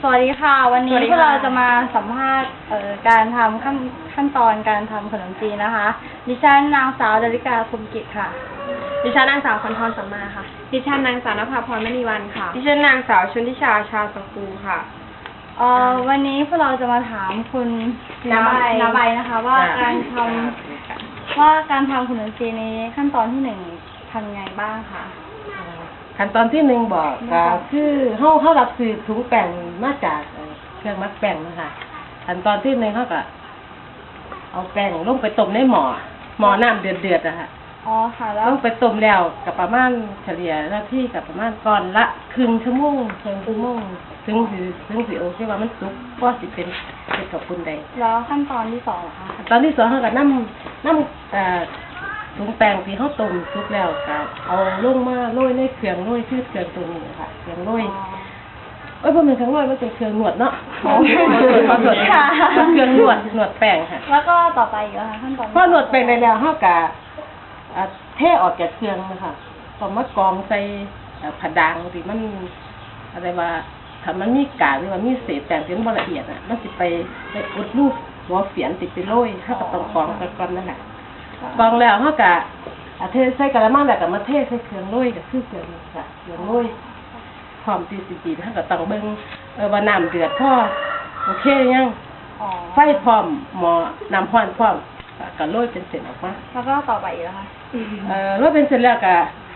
สวัสดีค่ะวันนี้พวกเราจะมาสัมภาษณ์การทำขั้นตอนการทำขนมจีนนะคะดิฉันนางสาวดาริกาคมกิจค่ะดิฉันนางสาวคันทรสัมมาค่ะดิฉันนางสาวนภาพรมณีวันค่ะดิฉันนางสาวชนทิชาชาสกูค่ะวันนี้พวกเราจะมาถามคุณนาใบนะคะว่าการทำขนมจีนในขั้นตอนที่หนึ่งทำไงบ้างคะขั้นตอนที่หนึ่งบอกก็คือเขารับซื้อถุงแป้งมาจากเครื่องมัดแป้งนะคะขั้นตอนที่หนึ่งเขาก็เอาแป้งลงไปต้มในหม้อน้ำเดือดๆนะคะอ๋อค่ะแล้วลงไปต้มแล้วกับประมาณเฉลี่ยหน้าที่กับประมาณก่อนละครึ่งชั่วโมงถึงสิโอเคว่ามันสุกก็สิเป็นกับคุณใดแล้วขั้นตอนที่สองเหรอคะขั้นตอนที่สองเขาก็น้ำถุงแป้งที่เขาต้มสุกแล้วก็เอาลงมาโรยในเครื่องโรยคือเครื่องตัวนี้ค่ะเครื่องโรยพอเป็นเครื่องโรยมันเป็นเครื่องนวดเนาะขอโทษค่ะเครื่องนวดแป้งค่ะแล้วก็ต่อไปอีกค่ะขั้นตอนพอนวดแป้งได้แล้วเขาก็เทออกจากเครื่องนะคะก็มากองใส่ผดางที่มันอะไรว่าถ้ามันมีกากหรือว่ามีเศษแป้งที่มันบ่ละเอียดอ่ะมันสิไปอุดรูปหัวเสียนติดไปโรยเขาก็ต้องกองก่อนนั่นแหละกองแล้วเขาก็เทใส่กระมังแล้วก็มาเทใส่เครื่องโรยก็คือเครื่องค่ะเครื่องโรยพร้อมที่สิจีนเขาก็ต้องเบิ่งว่าน้ำเดือดพอโอเคยังไฟพร้อมหม้อน้ำร้อนพร้อมก็โรยเป็นเส้นออกมาแล้วก็ต่อไปอีกแล้วค่ะโรยเป็นเส้นแล้วก็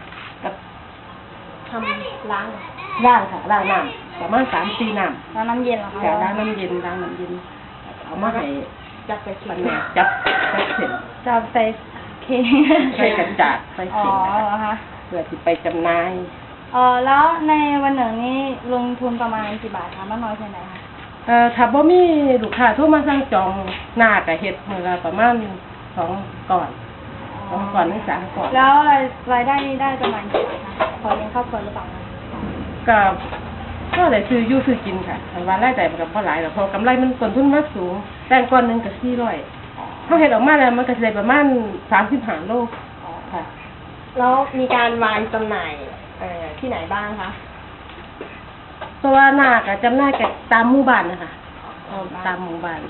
ทำล้างค่ะล้างน้ำประมาณ3-4น้ำล้างน้ำเย็นเหรอคะล้างน้ำเย็นเอามาให้จับใส่ถุงจับเส้นจับใส่ใส่กระจาดใส่เส้นนะคะเพื่อที่ไปจำหน่ายแล้วในวันหนึ่งนี้ลงทุนประมาณกี่บาทคะมากน้อยแค่ไหนคะถ้าบ่มีลูกค้าโทรมาสั่งจองหน้าก็เฮ็ดมื้อละประมาณ2ก่อนถึง3ก่อนแล้วรายได้นี่ได้ประมาณกี่บาทคะพอเลี้ยงครอบครัวหรือเปล่าก็ได้ซื้ออยู่ซื้อกินค่ะแต่ว่ารายได้มันก็บ่หลายหรอกเพราะกำไรมันต้นทุนมันสูงแต่ก้อนนึงก็400เฮาเฮ็ดออกมาแล้วมันก็สิได้ประมาณ35โลค่ะแล้วมีการวางจำหน่ายที่ไหนบ้างคะตัวหน้าก็จำหน่ายกับตามหมู่บ้านนะคะตามหมู่บ้าน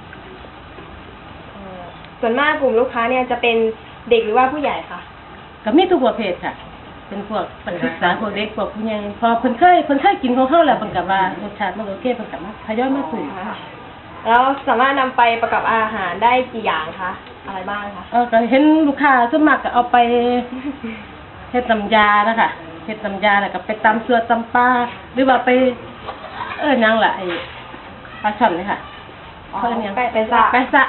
ส่วนมากกลุ่มลูกค้าเนี่ยจะเป็นเด็กหรือว่าผู้ใหญ่คะก็มีทุกประเภทค่ะเป็นพวกนักศึกษาพวกเด็กพวกผู้ใหญ่พอเพิ่นเคยกินของเฮาแล้วเพิ่นก็ว่ารสชาติมันโอเคเพิ่นก็มาทยอยมาซื้อแล้วสามารถนำไปประกอบอาหารได้กี่อย่างคะอะไรบ้างคะก็เห็นลูกค้าส่วนมากก็เอาไปเฮ็ดน้ำยานะคะเฮ็ดน้ำยาแล้วก็ไปตำเสื้อตำปลาหรือว่าไปหยังล่ะไอ้ปลาช่อนนี่ค่ะไปซะ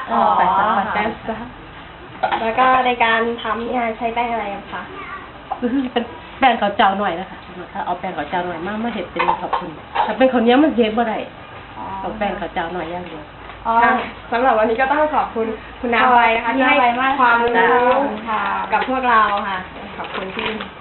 แล้วก็ในการทำเนี่ยใช้แป้งอะไรคะคือเป็นแป้งข้าวเจ้าหน่อยนะคะเอาแป้งข้าวเจ้าหน่อยมาเฮ็ดเป็นขอบคุณถ้าเป็นข้าวเหนียวมันเฮ็ดบ่ได้ต้องแป้งข้าวเจ้าหน่อยอย่างเดียวสำหรับวันนี้ก็ต้องขอบคุณคุณน้าใบนะคะที่ให้ความรู้กับพวกเราค่ะขอบคุณที่